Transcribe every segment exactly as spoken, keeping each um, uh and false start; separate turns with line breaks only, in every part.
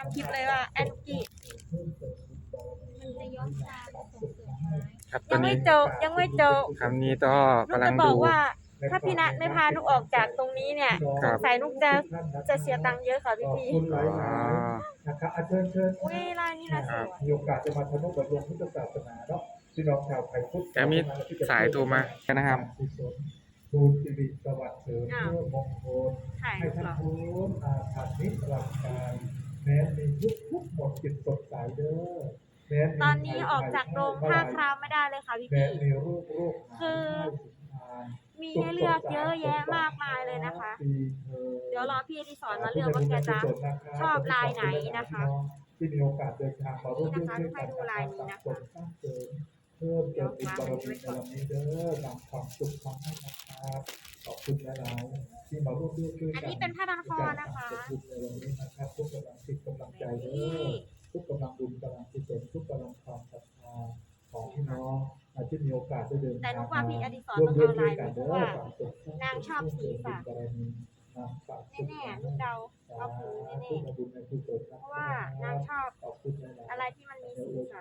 คลิปเลยว่าแอนกี้มันจะย้อนตามส่งเสริมไม้
ครับตอ
ยั
น
งไม่
นี้
จบยังไม่จบ
คำนี้ก็
นุก
กำลั
จะ
ง
บอ
ดู
กว่า ถ้าพี่นัทไม่พานุกออกจากตรงนี้เนี่ย
ค
ส
รั
ง
บ
สัยนุกจะจะเสียตังค์เยอะค่ะพี่พี่
อ๋อ
นะครับอาเชิญเชิญ
อุ้ยลายนี้นะสวย
มีโอกาสจะมาทำนุบำรุงพุทธศาสนาเนาะพี่น้องชาวไทยพุทธ
แต่มีสายโทรมานะครับ
บูญสิริสวัสดิ์เสริมเพื่อมงคล
ถ่าย
ให้
รูป
ท่าน
เหรอ
พ้นอาถรรพ์นิรันดร์กาลแม้มีทุกทุกหมดจิตสดใสเด้อแม้มี
ตอนนี้ออกจากโรงผ้าครามไม่ได้เลยค่ะพี่
แม้
พี่
มีโรคโรค
คือ มีให้เลือกเยอะแยะมากมายเลยนะคะ เดี๋ยวรอพี่อดิศรมาเลือกว่าแกจะชอบลายไหนนะคะ
ที่มีโอกาสเดินทางมาร่วมด้วยช่วยกัน
ให้ดูลายนี้นะคะ
สร้างเสริมเพิ่มเติมบุญบารมีในวันนี้เด้อนำความสุขมาให้นะครับขอบคุณหลายๆที่มาร่วมด้วยช่วยกัน
อันนี้เป็นผ้าพันคอนะคะ
บุญในวันนี้นะครับทุกกำลังจิตกำลังใจเด้อทุกกำลังบุญกำลังกุศลทุกกำลังความศรัทธาของพี่น้องที่มีโอกาสได้เดิน
แต่
ทาง
นุก
มา
ว่าพี่อดิศร
ร่ว
ต้
ม
อง
ด้วย
เอา
ช่
ลา
วย ย
นี้
กัน
เพ
เด้
ราะ
อ
ว่า
ฝากศพ
นางชอบสีค่ะ แน่ๆนุกเดาเอาผืนแน่ๆเพราะว่านางชอบอะไรที่มันมีสีสัน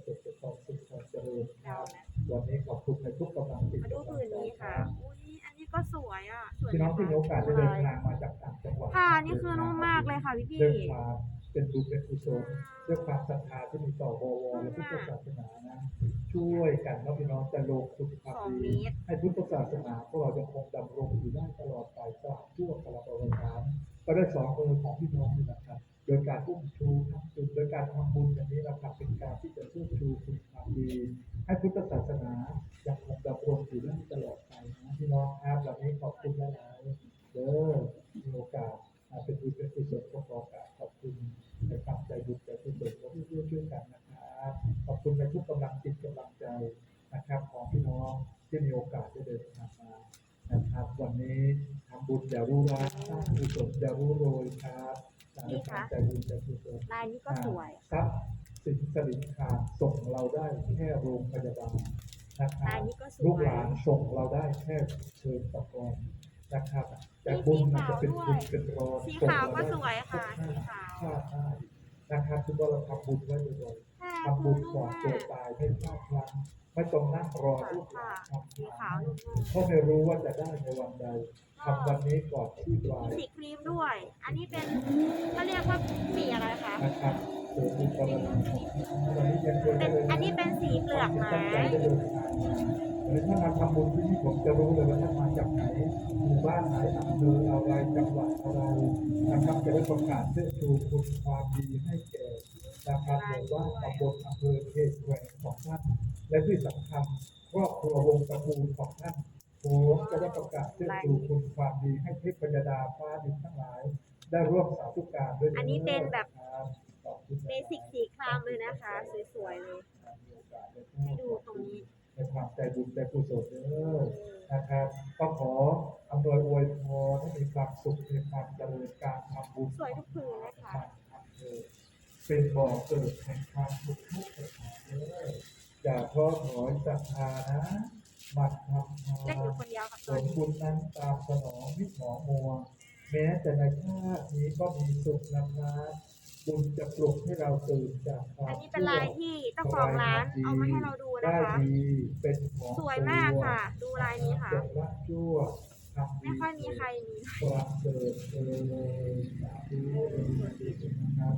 เดานะ
วันนี้ขอบคุณในทุกกำลังจิต
มาดูผืนนี้ค่ะ อุ้ยอันนี้ก็สวยอ่ะ สวย
พี่
ไหม
น้องที่มีโอกาส
คะ
ได้เดินทางมาจากต่างจังหวัด
ผ้านี่คือนุ่มมากเลยค่ะพี่พี่
ด้วยความเป็นบุญเป็นกุศลด้วยความศรัทธาที่มีต่อววและพุทธศาสนานะช่วยกันเนาะพี่น้องจะลงทุนความ
สอง
ดี
เมตร
ให้พุทธศาสนาพวกเราจะคงดำรงอยู่ได้ตลอดไปตราบชั่วกาลประวัติการก็ได้สองมือของพี่น้องนี่นะครับ โดยการอุ้มชูทำบุญโดยการทำบุญอย่างนี้นะครับเป็นการที่จะช่วยชูคุณความดี ให้พุทธศาสนายังคงดำรงอยู่ได้ตลอดไปนะพี่น้องครับวันนี้ขอบคุณหลายๆเด้อมีโอกาสมาเป็นบุญเป็นกุศลก็ขอโอกาสขอบคุณในความใจบุญใจกุศลของที่ช่วยกันนะครับขอบคุณในทุกกำลังจิตกำลังใจนะครับของพี่น้องที่มีโอกาสได้เดินทางมานะครับวันนี้ทำบุญอย่ารู้ร้ายสร้างกุศลอย่ารู้โรยครับในความใจบุญใจกุศล
ลายนี้ก็สวย
ทรัพย์สินสลิงขาดส่งเราได้แค่โรงพยาบาลนะครับ
ลายนี้ก็สวย
ลูกหลานส่งเราได้แค่เชิญตะกอนนะครับ แต่บุญมันจะเป็นบุญเป็นรอน
สีขาวก็สวยค่ะ สีขาว
พลาดได้นะครับทุกคนเราทำบุญไว้บ่อย
ผ้า
ๆ
คื
ทำบุ
อ
ญ
นุ่
ก่อ
ม
น
มา
เกิด
ก
ตายไม่พลาดพลั้งไม่ต้องนั่งรอลูกหลานทำ
สีขาวนุ่ม
เพราะไม่รู้ว่าจะได้ในวันใดทำวันนี้ก่อนที่ปลาย
มีสีครีมด้วย อันนี้เป็นเขาเรียกว่าสีอะไรคะ
นะครับเกิดบุญบารมีวันนี้ยังควร
เป็
จะ
น
เลย
อันนี้เป็นสีเปลือกไม้
หรือถ้ามาทำบุญที่นี่ผมจะรู้เลยว่าท่านมาจากไหนหมู่บ้านไหนอำเภออะไรจังหวัดอะไรนะครับจะได้ประกาศเชิดชูคุณความดีให้แก่นะครับหมู่บ้านตำบลอำเภอเขตแขวงของท่านและที่สำคัญครอบครัววงตระกูลของท่านผมจะได้ประกาศเชิดชูคุณความดีให้เทพยดาฟ้าดินทั้งหลาย ได้ร่วมสาธุการด้วย
อันนี้เป็นแบบ
ขอบคุณ
เบสิกสีครามเลยนะคะ สวยๆเลย ให้ดูตรงนี้
ในความใจบุญใจกุศลเด้อนะครับก็ขออำนวยอวยพรให้มีความสุขมีความเจริญการทำบุญ
สวยทุกผืนนะคะ
เป็นบ่อเกิดแห่งความสุขทุกประการเด้ออย่าท้อถอยศรัทธานะมันทำทา
เล่นอยู่
น
คนเดียวค่ะ
ผ
ตอน
ล
นี้
บุญนั้นตามสนองมิตรหมอมัว แม้แต่ในชาตินี้ก็มีสุขนะครับบุญจะปลุกให้เราตื่นจากควา
อั
ม
นนี้เป็นลายที่เจ้าของร้านเอามาให้เราดูนะ
ได้
คะ
ดีเป็นของ
สวยมากค่ะ ดูลายนี้ค่ะ
จงละชั่วทำดี
ไม่ค่อยมีใครมี
ประเสริฐเออสาธุนะครับ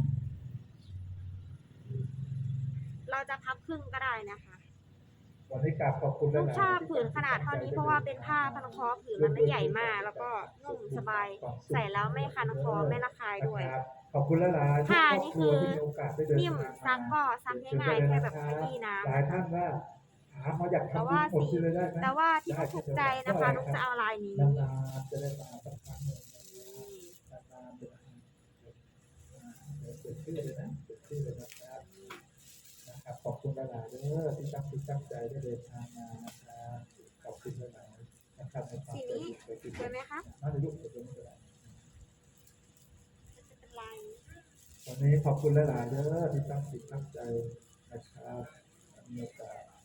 เราจะพับครึ่งก็ได้นะคะ
วันนี้กราบขอบคุณ
ลูก
หลายๆ
ชอบผืนขนาดเท่านี้เพราะว่าเป็นผ้าพันคอผืนมันไม่ใหญ่มาก แล้วก็นุ่มสบาย ใส่แล้วไม่คันคอไม่ระคายด้วย
นะครับขอบคุณหลายๆ
ผ้า
ทุก
นี่
ครอบ
คือ
รัวที่มีโอกาสได้เดิน
นิ่ม
ทางมา
ซักก็ซักง่ายๆแค่แบบขยี้น้ำ
หลายท่านว่าถามมาอยาก
แต่
ทำบุ
ว่า
ญหมด
สี
ที่เลยได้ไหม
แต่ว่าที่เขาถูกใจนะคะนุกจะเอาลายนี้
นานๆจะได้มาสักครั้งหนึ่งนานๆจะได้เดี๋ยวเปิดชื่อเลยนะเปิดชื่อเลยนะครับนะครับขอบคุณหลายๆเด้อที่ตั้งที่ตั้งใจได้เดินทางมานะครับขอบคุณหลายๆนะครับในความ
สี
ใจ
นี้
ดีใจดี
สวยไหมคะ
น่าจะยุบตัวนี้ก็ได้
จะเป็นลายนี้
วันนี้ขอบคุณหลายๆเด้อที่ตั้งจิตตั้งใจนะครับมีโอกาส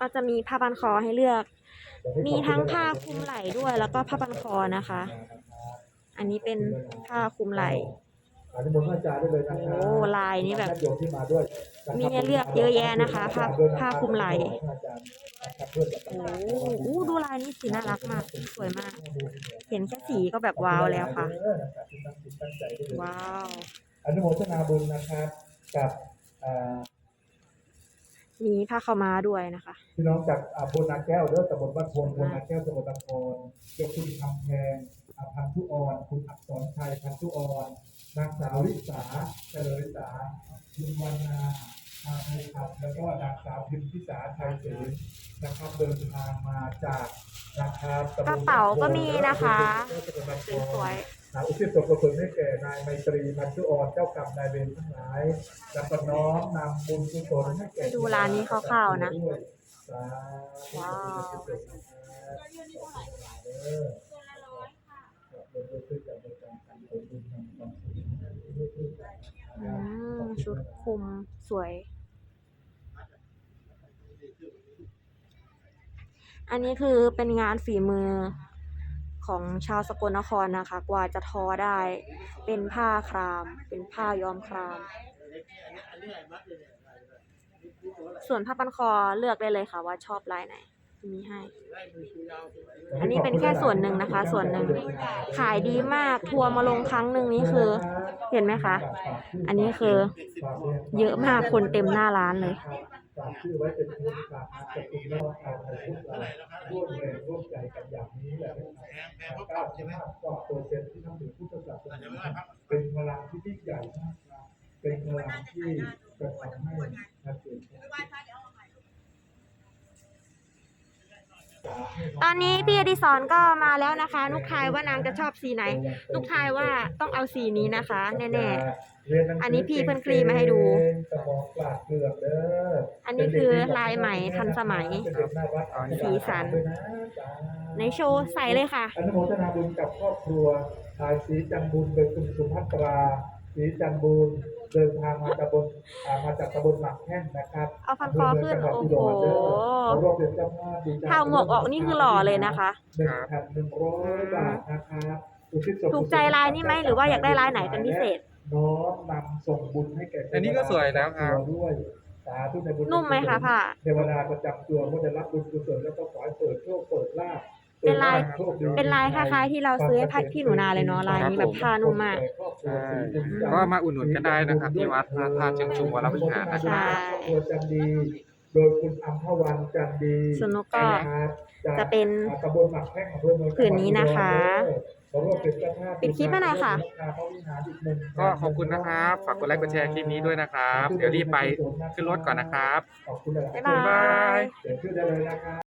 ก็จะมีผ้าพันคอให้เลือก มีทั้งผ้าคลุมไหล่ด้วยแล้วก็ผ้าพันคอนะคะ อันนี้เป็นผ้าคลุมไหล่
อนุโมทนาจารย์ได้เลยนะครับ
โอ้ลายนี้แบบ
ญาติโยมที่มาด้วยนะครับ
มีให้เลือกเยอะแยะนะคะผ้าผ้าคลุมไหล่ โอ้โหดูลายนี้สีน่ารักมาก สวยมาก เห็นแค่สีก็แบบว้าวแล้วค่ะ ว้าว
อนุโมทนาบุญนะครับกับอ่า
มีผ้าขาวม้าด้วยนะคะ
พี่น้องจากอ่าโพนาแก้วเด้อตำบลบ้านโพนโพนาแก้วตำบลตะโพนเจ้าคุณคำแพงอ่าพันธุอ่อนคุณอักษรชัยพันธุอ่อนนางสาวลิสาเจริญสาคุณวรรณาอาภูขับแล้วก็นางสาวพิมพิสาชัยศรีนะครับเดินทางมาจากนะครับตำบล
กระเป๋าก็มีนะคะ สวย
นางอุทิศส่วนกุศลให้แก่นายไมตรีพันธุอ่อนเจ้ากรรมนายเวรทั้งหลายและก็น้อมนำบุญกุศลให้แก่
ดูร้านนี้คร่าวๆนะ ว้าว อืมชุดคลุมสวย อันนี้คือเป็นงานฝีมือของชาวสกลนครนะคะ กว่าจะทอได้ เป็นผ้าคราม เป็นผ้าย้อมคราม ส่วนผ้าพันคอเลือกได้เลยค่ะว่าชอบลายไหนมีให้ อันนี้เป็นแค่ส่วนหนึ่งนะคะ ส่วนหนึ่งขายดีมากทัวร์มาลงครั้งหนึ่งนี้คือ เห็นไหมคะ อันนี้คือเยอะมากคนเต็มหน้าร้านเลย
ฝากชื่อไว้เป็นทุนฝากอาจจะคุณแล้วเอาไปพวกเราร่วมแรงร่วมใจกันอย่างนี้แหละนะครับเก้าสิบห้ากว่าเปอร์เซ็นต์ที่ทำถึงพุทธศาสนาเป็นพลังที่ยิ่งใหญ่มากนะเป็นพลังที่จะทำให้นักเรียน
ตอนนี้พี่อดิศรก็มาแล้วนะคะนุกทายว่านางจะชอบสีไหนนุกทายว่าต้องเอาสีนี้นะคะ แน่ๆ อันนี้พี่เพิ่นคลีมาให้ดู อันนี้คือลายไหมทันสมัย สีสัน ในโชว์ใส่เลยค่ะ
อนุโมทนาบุญกับครอบครัวทายศรีจันบุญโดยคุณสุภัตราศรีจันบุญเดินทางมาจากบนมาจากตำบลหมักแห้งนะครับ
เอาพันคอขึ้นโอ้โหถ้าหมวกออกนี่คือหล่อเลยนะคะ
หนึ่งพันหนึ่งร้อยบาทนะครับ
ถูกใจลายนี้ไหมหรือว่าอยากได้ลายไหนเป็นพิเศษ
น้อมนำส่งบุญให้แก่
อันนี้ก็สวยแล้วครับ
ด้วยสาธุในบุญ
นุ่มไหมคะผ้า
เทวดาประจำตัวก็จะรับบุญกุศลแล้วก็ขอให้เปิดโชคเปิดลาภ
เป็นลายเป็นลายคล้ายๆที่เราซื้อให้พัดพี่หนูนาเลยเนาะลายนี้แบบผ้านุ่มมาก
ใช่ก็มาอุดหนุนกันได้นะครับที่วัดพระธาตุเชิงชุมวรวิหารนะค
ใช่
รับ
ครอบครัวจันดี โดยคุณอัมพวันจันดี
ส่วนนกก็จะเป็น
ตำบลหมักแข้งอำเภอเมือง
ผืนนี้นะคะ
ขอร่วมเป็นเจ้าภาพ
ปิดคลิปให้หน่อยค่ะ
ก็ขอบคุณนะครับ ฝากกดไลค์กดแชร์คลิปนี้ด้วยนะครับ เดี๋ยวรีบไปขึ้นรถก่อนนะครับ
ขอบคุณหลายๆ
บ๊ายบาย
เดี๋ยวชื่อได้เลยนะครับ